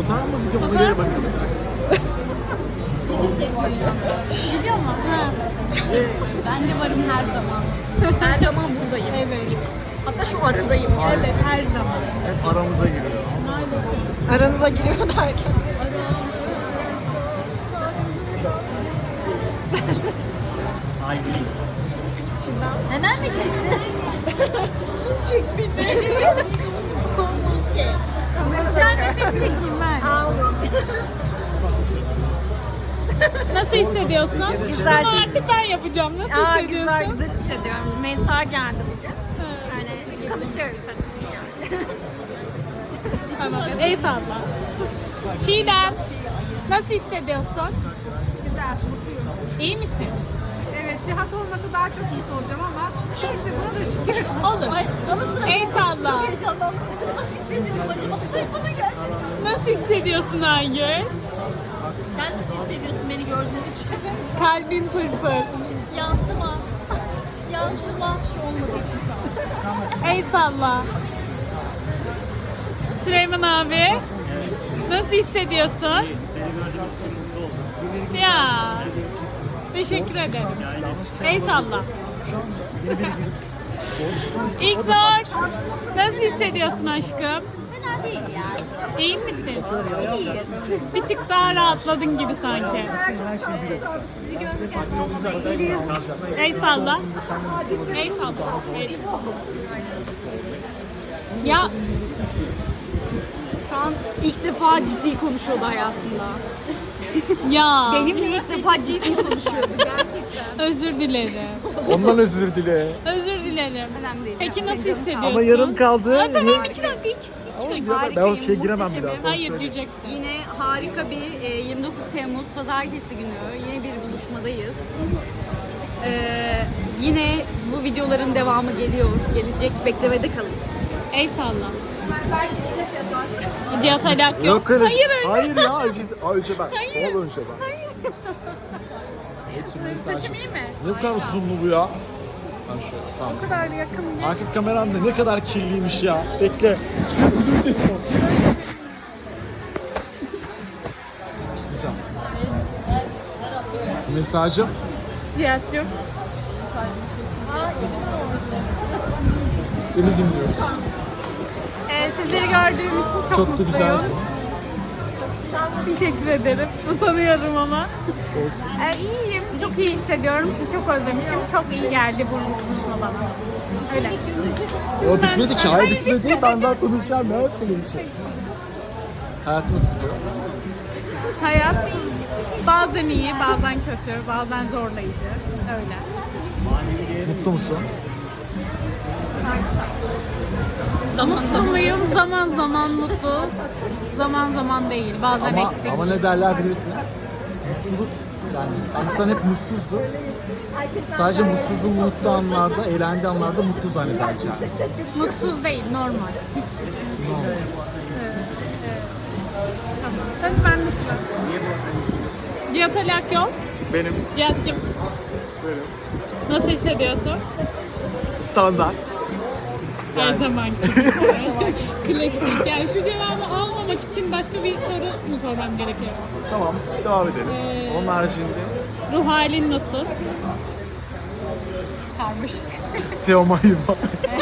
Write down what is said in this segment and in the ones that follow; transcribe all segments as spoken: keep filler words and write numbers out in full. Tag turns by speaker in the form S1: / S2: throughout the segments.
S1: Fotoğraf mı video mu? Nereye bakalım?
S2: Video çekiyor. Biliyor musun? Ha. Ben de varım her zaman. Her zaman buradayım. Evet. Hatta şu aradayım.
S1: Evet,
S2: her zaman.
S1: Hep aramıza giriyor.
S2: Aranıza giriyor derken.
S1: Ay değil.
S2: Hemen mi çekti? Çek beni. Evet. Çek. Ben de seni çekeyim ben.
S3: Nasıl hissediyorsun?
S2: Güzel.
S3: Bunu artık ben yapacağım. Nasıl
S2: Aa,
S3: hissediyorsun?
S2: güzel güzel hissediyorum. Meysa geldi bugün. Yani konuşuyoruz hadi. Yani.
S3: Tamam. El salla. Çiğdem. Nasıl hissediyorsun?
S4: Güzel, mutluyum.
S3: İyi misin?
S4: Evet, Cihat olmasa daha çok mutlu olacağım ama neyse buna da şükür.
S3: Olur.
S2: Bana sıra.
S3: El salla.
S2: Çok heyecanlandım. Nasıl hissediyorum acaba? Ay, bana gel.
S3: Nasıl hissediyorsun Aygül?
S2: Sen nasıl hissediyorsun beni gördüğün için?
S3: Kalbin pırpır.
S2: Yansıma. Yansıma. Şu olmadığı için şu an.
S3: El salla. Süleyman abi. Nasıl hissediyorsun?
S1: Seni görüşmek için mutlu oldum.
S3: Ya. Teşekkür ederim. El salla. İlknur. Nasıl hissediyorsun aşkım?
S2: Fena değil ya.
S3: İyi misin?
S2: İyiyim.
S3: Bir tık daha rahatladın gibi sanki.
S2: Sizi görürken olmadan geliyor.
S3: El salla. El salla. El. Ya
S2: Şu an ilk defa ciddi konuşuyordu hayatında.
S3: ya.
S2: Benimle ilk defa ciddi konuşuyordu gerçekten.
S3: Özür dilerim.
S1: Ondan özür dile.
S3: Özür dilerim.
S2: Önemli değil.
S3: Peki nasıl
S2: Canım sağ ol.
S3: hissediyorsun?
S1: Ama yarım kaldı.
S3: Ha, tamam iki dakika. iki, iki dakika.
S1: Ben
S2: Harikayım,
S1: o şeye giremem bir daha.
S2: muhteşemim.
S1: sana
S3: Hayır
S1: söyleyeyim.
S3: diyeceksin.
S2: Yine harika bir e, yirmi dokuz Temmuz Pazartesi günü yine bir buluşmadayız. Ee, yine bu videoların devamı geliyor, gelecek. Beklemede kalın.
S3: El salla. Cihat Alak yok.
S1: Yok öyle.
S3: Hayır öyle.
S1: Hayır ya. Önce, önce ben.
S3: Hayır.
S1: Ol önce ben.
S3: Saçım iyi mi?
S1: Ne kadar zoomlu bu ya? Ben şöyle. Tamam.
S3: O kadar yakın değil.
S1: Arka kameram da ne kadar kirliymiş ya. Bekle. Güzel. Mesajım.
S3: Cihat'cığım.
S1: Seni dinliyorum.
S3: Ee, sizleri gördüğüm için çok,
S1: Çok da
S3: mutluyum.
S1: güzelsin.
S3: Teşekkür ederim. Utanıyorum ama.
S1: Olsun.
S3: Ee, iyiyim. Çok iyi hissediyorum. Sizi çok özlemişim. Çok iyi geldi bu buluşma bana. Öyle.
S1: O bitmedi ki. Hayır
S3: Hayır,
S1: bitmedi. Ben daha konuşacağım. Ne yapayım bir şey. Hayat nasıl gidiyor?
S3: Hayat bazen iyi, bazen kötü, bazen zorlayıcı. Öyle.
S1: Mutlu musun?
S3: Zaman mutluyum, zaman zaman mutlu, zaman zaman değil, bazen
S1: Ama,
S3: eksik.
S1: ama ne derler bilirsin. Mutluluk yani insan hep mutsuzdur. Sadece mutsuzluğu mutlu anlarda, eğlendiği anlarda mutlu zanneder yani.
S3: Mutsuz değil, normal, hissiz.
S1: Normal.
S3: Tamam. Hadi ben de sıra. Cihat Alak yok.
S1: Benim
S3: Cihat'cığım
S1: şöyle
S3: nasıl hissediyorsun?
S1: standart.
S3: Her zaman gibi. Klasik. Yani şu cevabı almamak için başka bir soru mu sormam gerekiyor?
S1: Tamam, devam edelim.
S3: Ee,
S1: Onun haricinde
S3: Ruh halin nasıl?
S2: Karmaşık.
S1: Teomay'ı var.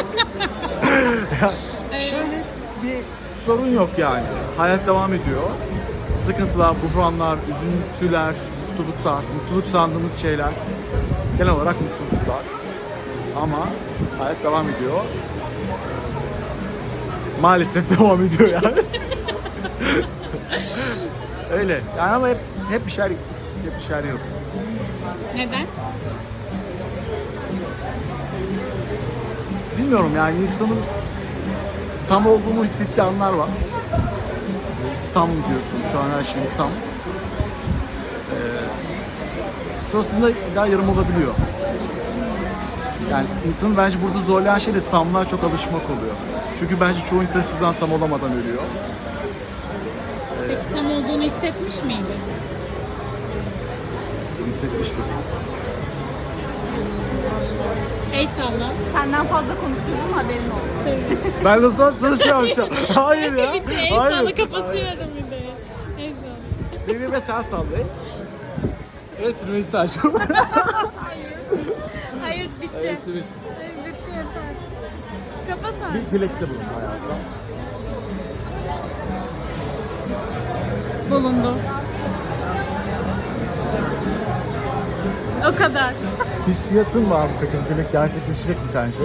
S1: Ya, şöyle bir sorun yok yani. Hayat devam ediyor. Sıkıntılar, buhranlar, üzüntüler, mutluluklar, mutluluk sandığımız şeyler, genel olarak mutsuzluklar. Ama hayat devam ediyor. Maalesef devam ediyor yani. Öyle. Yani ama hep hep bir şeyler eksik, hep bir şeyler yok.
S3: Neden?
S1: Bilmiyorum yani insanın tam olduğunu hissettiği anlar var. Tam diyorsun şu an her şeyin tam. Ee, sonrasında daha yarım olabiliyor. Yani insanın bence burada zorlayan şey de tamlığa çok alışmak oluyor. Çünkü bence çoğu insan hiçbir zaman tam olamadan ölüyor.
S3: Peki tam olduğunu hissetmiş miydin?
S1: Hissetmiştim.
S3: El salla.
S2: Senden fazla konuştuğum haberin olsun.
S1: Ben de sana sana şey yapacağım. Hayır ya.
S3: Bitti. El
S1: Hayır.
S3: salla kapatıyorum bir de. El salla.
S1: Birbirime sen sallayın. Evet Rümeysa'cığım.
S3: Hayır bitti.
S1: evet evet.
S3: Hayır, bitti yeter. Kapat artık.
S1: Bir dilekte bulun hayatım.
S3: Bulundu. O kadar.
S1: Hissiyatın var mı peki? Bu dilek gerçekleşecek mi sence?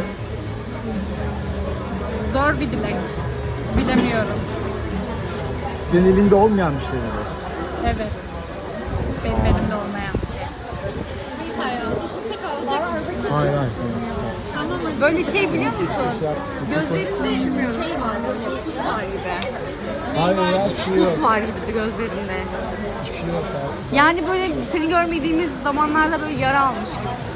S3: Zor bir dilek. Bilemiyorum.
S1: Senin elinde olmayan bir şey mi bu?
S3: Evet. Benim elimde olmayan bir şey.
S1: Hayır hayır.
S2: Böyle şey biliyor musun? Gözlerinde şey var, böyle pus var gibi.
S1: Hayır ya hiçbir şey yok.
S2: Pus var gibi gözlerinde.
S1: Hiçbir şey yok abi.
S2: Yani böyle seni görmediğimiz zamanlarda böyle yara almış gibisin.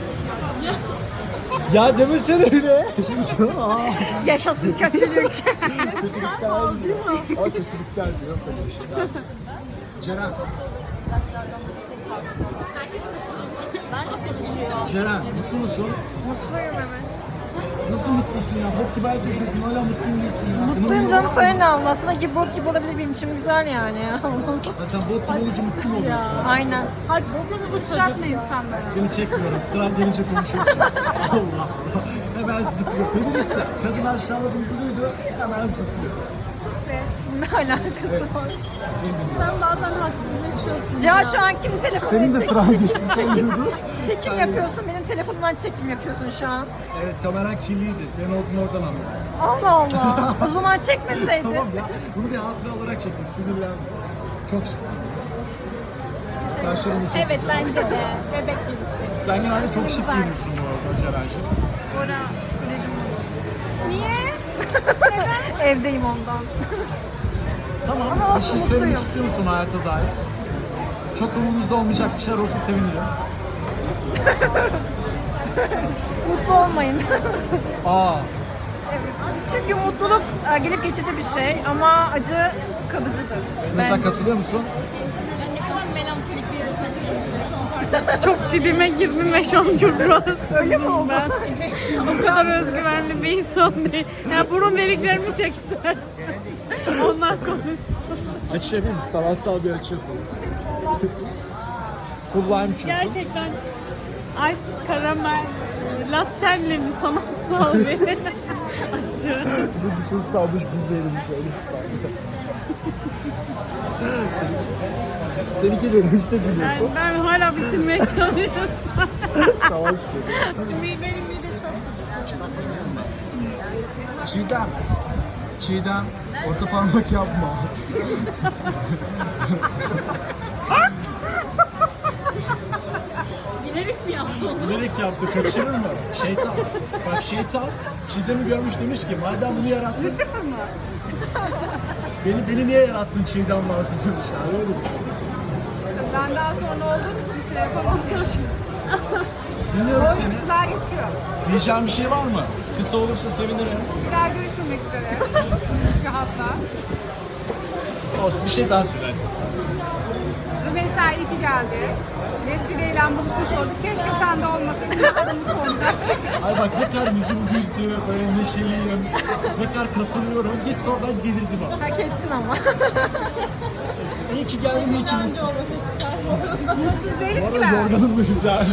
S1: Ya demesene öyle.
S2: Yaşasın kötülük.
S1: Kötülükler diyor. Aa kötülükler diyor. Böyle bir şey. Ceren. Ceren mutlu musun?
S4: Mutluyum evet.
S1: Nasıl mutlusun ya? Bok gibi hayat yaşıyorsun hala mutlu değilsin ya.
S4: Mutluyum canım, söyle ne anlasına ki bok gibi olabilir, benim için güzel yani ya.
S1: Ya sen bok gibi olunca mutlu mu oluyorsun?
S4: Aynen.
S3: Haksız bu
S4: Sıçratma insanları.
S1: Seni çekmiyorum. Sıran gelince konuşuyorsun. Allah Allah. Hemen zıplıyor. Feminist ya. Kadın aşağıladığımızı duydu. Hemen zıplıyor.
S4: Ne alakası var?
S1: Seni dinliyorum.
S3: Sen bazen haksızlaşıyorsun.
S4: Cihan şu an kim telefonuna
S1: Senin de
S4: çek-
S1: sıran geçti. Sen duydu.
S4: çekim yapıyorsun, benim telefonumdan çekim yapıyorsun şu an.
S1: Evet kameran kirliydi. Senin olduğunu oradan anladım.
S4: Allah Allah. O zaman çekmeseydin.
S1: Tamam ya. Bunu bir hatıra olarak çektim. Sinirlendim. Çok şıksın. Saçların da çok
S3: Evet
S1: güzel.
S3: bence de. Bebek gibisin.
S1: Sen genelde çok şık giyiniyorsun bu arada Ceren'ciğim.
S4: Ora psikolojim bozuldu. Niye? Evdeyim ondan.
S1: Tamam.
S4: Ama
S1: bir şey
S4: mutluyum.
S1: söylemek istiyor musun hayata dair? Çok umurumuzda olmayacak bir şeyler olsa sevinirim.
S4: Mutlu olmayın.
S1: Aa.
S4: Çünkü mutluluk e, gelip geçici bir şey ama acı kalıcıdır.
S1: Mesela katılıyor musun?
S2: Ben ne kadar melankolik bir yere
S3: Çok dibime girdim ve şu an çok rahatsızım.
S4: Öyle mi oldu?
S3: Ben. O kadar özgüvenli bir insan değil. Yani burun deliklerimi çek istersen. Onlar konuşsun.
S1: Açabilir misin? Sanatsal bir açı yapalım. Kulağım çünkü.
S3: Gerçekten ice karamel lattenle mi sanatsal bir acı.
S1: Bir de dışarısı kalmış buz erimiş öyle İstanbul'da. Seninki, seninki de işte
S3: Yani
S1: biliyorsun.
S3: ben hala bitirmeye çalışıyorum.
S1: Savaş dedi.
S3: Benim mide çok
S1: Çiğdem. Çiğdem. Orta parmak yapma.
S3: bilerek mi yaptın?
S1: Bilerek yaptı. Kaçırır mı? Şeytan. Bak şeytan. Çiğdem'i görmüş demiş ki madem bunu yarattın.
S4: Lucifer mı?
S1: Beni, beni niye yarattın Çiğdem bahsediyormuş. Yani öyle bir şey.
S4: Ben daha sonra olduğum için şey yapamam.
S1: Dinliyoruz
S4: O
S1: seni.
S4: kulağa geçiyor.
S1: Diyeceğim bir şey var mı? Kısa olursa sevinirim.
S4: Bir daha görüşmemek üzere. Şahatla.
S1: Olsun bir şey daha söyle.
S4: Rümeysa ipi geldi. Vesile ile buluşmuş olduk. Keşke sen de olmasaydın. Ne kadar mutlu olacaktık.
S1: Ay bak ne kadar yüzüm güldü, böyle neşeliyim. Ne kadar katılıyorum. Git oradan gelirdi bana.
S4: Hak ettin ama.
S1: İyi ki geldin, iyi ki mutsuz.
S4: Mutsuz değilim
S1: Bu
S4: ki
S1: arada
S4: ben.
S1: yorganım da güzel.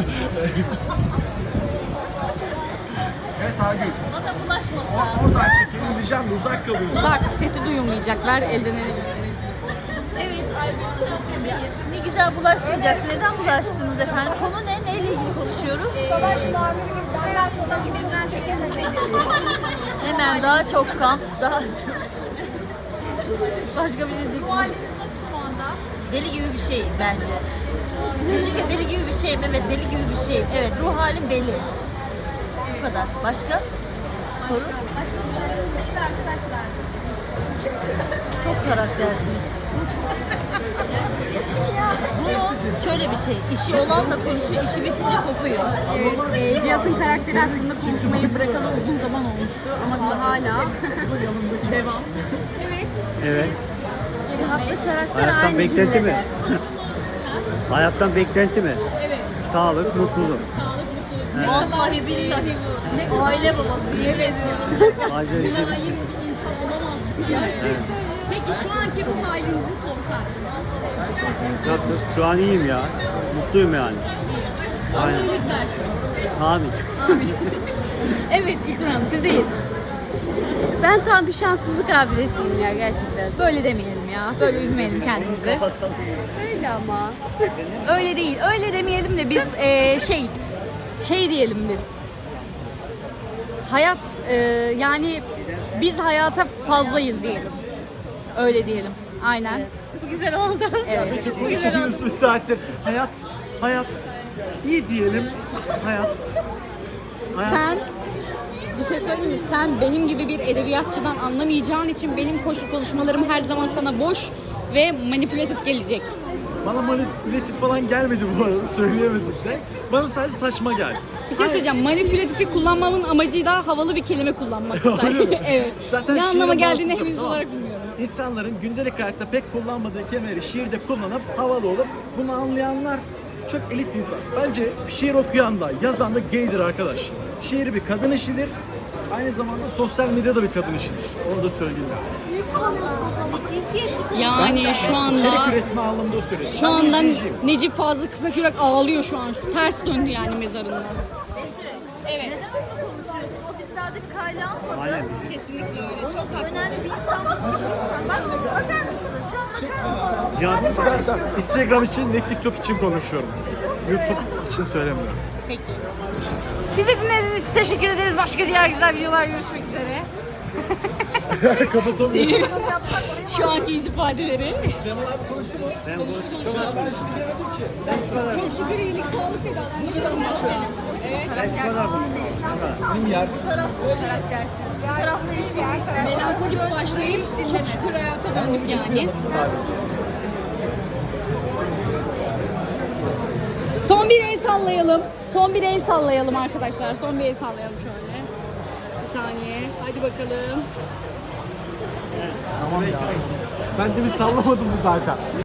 S1: Evet Agül.
S3: Bana bulaşmasın.
S1: Oradan çekelim diyeceğim de uzak kalıyorsun.
S2: Uzak, sesi duyulmayacak. Ver elden ele.
S5: Evet, ne güzel bulaşmayacak. Neden bulaştınız efendim? Konu ne? Neyle ilgili konuşuyoruz?
S4: Savaş muhabiri gibi benden sonra kimden çekemedim.
S5: Hemen daha çok kamp, daha çok... Başka bir şey değil.
S4: Bu haliniz nasıl şu anda?
S5: Deli gibi bir şey bence. Kesinlikle deli gibi bir şeyim. Evet, deli gibi bir şeyim. Evet, ruh halim deli. Bu kadar. Başka? Soru?
S4: Başka sorularınız değil arkadaşlar.
S5: Çok karaktersiz. Bunu şöyle bir şey, işi olan da konuşuyor, işi bitince kopuyor.
S2: Evet, e, Cihat'ın karakteri hakkında konuşmayı bırakalı uzun zaman olmuştu ama biz hala devam. Evet.
S6: Evet.
S2: Cihat'ta karakter
S6: Hayattan
S2: aynı
S6: beklenti
S2: cümlede.
S6: mi? Hayattan beklenti mi?
S2: Evet.
S6: Sağlık, mutluluk.
S2: Sağlık, mutluluk.
S5: Vallahi billahi bu. Ne aile babası yemin ediyorum.
S6: Ayrıca işi-
S2: Buna ayıp bir insan olamazsın gerçekten. Peki şu anki ruh halinizi sorsak.
S6: Nasıl? Şu an iyiyim ya. Mutluyum yani.
S2: Allah iyilik versin.
S6: Amin.
S2: Amin. Evet İlknur Hanım sizdeyiz.
S7: Ben tam bir şanssızlık abidesiyim ya gerçekten.
S2: Böyle demeyelim ya. Böyle üzmeyelim kendimizi.
S7: Öyle ama.
S2: Öyle değil. Öyle demeyelim de biz eee, şey şey diyelim biz. Hayat eee, yani biz hayata fazlayız diyelim. Öyle diyelim. Aynen.
S7: Bu güzel oldu.
S2: Evet.
S1: Konuşuyoruz bir saattir. Hayat, hayat iyi diyelim. Hayat. Hayat.
S2: Sen bir şey söyleyeyim mi? Sen benim gibi bir edebiyatçıdan anlamayacağın için benim koşu konuşmalarım her zaman sana boş ve manipülatif gelecek.
S1: Bana manipülatif falan gelmedi bu arada, söyleyemedim de. Bana sadece saçma geldi.
S2: Bir şey söyleyeceğim. Manipülatifi kullanmamın amacı da havalı bir kelime kullanmak.
S1: Öyle mi?
S2: Evet.
S1: Zaten
S2: ne
S1: şiirin
S2: anlama geldiğini
S1: mantığı,
S2: henüz
S1: tamam.
S2: olarak bilmiyorum.
S1: İnsanların gündelik hayatta pek kullanmadığı kelimeleri şiirde kullanıp havalı olup bunu anlayanlar çok elit insan. Bence şiir okuyan da yazan da gaydir arkadaş. Şiir bir kadın işidir. Aynı zamanda sosyal medyada bir kadın işidir. Onu da söyleyeyim.
S2: Yani şu
S1: İçerik
S2: anda
S1: üretme anlamında söylüyorum.
S2: şu
S1: Ben
S2: anda
S1: izleyiciyim.
S2: Necip Fazıl Kısakürek ağlıyor şu an. Ters döndü yani mezarından.
S5: Evet. Neden onunla konuşuyorsun? O bizlerde bir kayla almadı.
S6: Aynen.
S2: Kesinlikle öyle. Çok
S5: Önemli bir insanmış. Bak bakar mısın? Şu an bakar mısın?
S1: Cihan zaten Instagram için ne TikTok için konuşuyorum. YouTube için söylemiyorum.
S2: Peki.
S7: Bizi dinlediğiniz için teşekkür ederiz. Başka diğer güzel videolar görüşmek üzere.
S1: Kapatamıyorum.
S2: Şu anki yüz ifadeleri.
S1: Sema abi konuştu mu?
S6: Ben konuştum.
S1: Ben şimdi demedim ki.
S2: Çok şükür iyilik sağlık dedi adam. Hiç olmaz. Evet.
S6: Ben şu kadar konuştum.
S1: Benim yersiz.
S5: Tarafta işi.
S2: Melankolik başlayıp çok şükür hayata döndük yani. Son bir el sallayalım. Son bir el sallayalım arkadaşlar. Son bir el sallayalım şöyle. Bir saniye. Hadi bakalım.
S1: Tamam ya. Sen de bir sallamadın mı zaten?